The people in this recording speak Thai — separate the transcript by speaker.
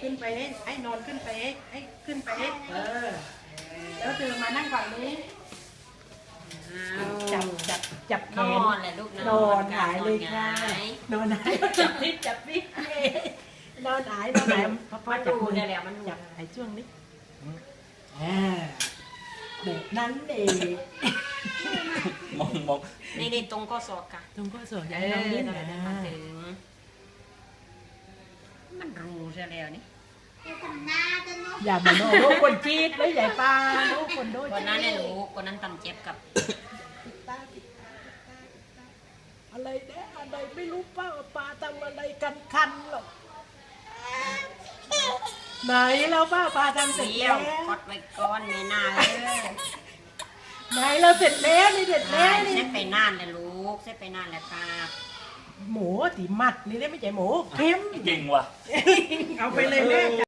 Speaker 1: ขึ้นไปให้นอนขึ้นไปให้ขึ้นไปแล้วเธอมานั่งฝั่งนี้จับแข
Speaker 2: น
Speaker 1: น
Speaker 2: อนแหละลูก
Speaker 1: นอนหายเลยค่ะนอนหายจับนิดนอนหายพ่อจับมือ
Speaker 2: ได้แล้วมัน
Speaker 1: จับไอ้ช่วงนี้แบบนั้นเอง
Speaker 3: มอง
Speaker 2: นี่ตรงข้อศอกค่ะ
Speaker 1: ตรงก็สวยใจน้องดิ้น
Speaker 2: นั่นแหละ
Speaker 1: นะ
Speaker 2: มาถึงมันรู้ใช่แล้วนี่
Speaker 1: อย่ามาโน้ลูกคนจีดเลยใหญ่ปลาลูกคนโดย
Speaker 2: คนนั้นเนี่ยรู้คนนั้นตำเจ็บกับ
Speaker 1: อะไรเนี่ยอะไรไม่รู้ป้าปลาทำอะไรกันคันหรอกไหนแล้วป้าทำเสร็จ
Speaker 2: เดี่
Speaker 1: แล้
Speaker 2: ยว วกดไว้ก้อนไม่นานเลย
Speaker 1: ไหนเราเสร็จแล้วนี่เสร็จแล้วนี่
Speaker 2: เซ็ตไปนานเลยลูกเซ็ตไปนานแล้วครับ
Speaker 1: หมูตีมัดนี่ได้ไม่ใช่หมูเค็ม
Speaker 3: จริงว่ะ
Speaker 1: เอาไปเลยแม่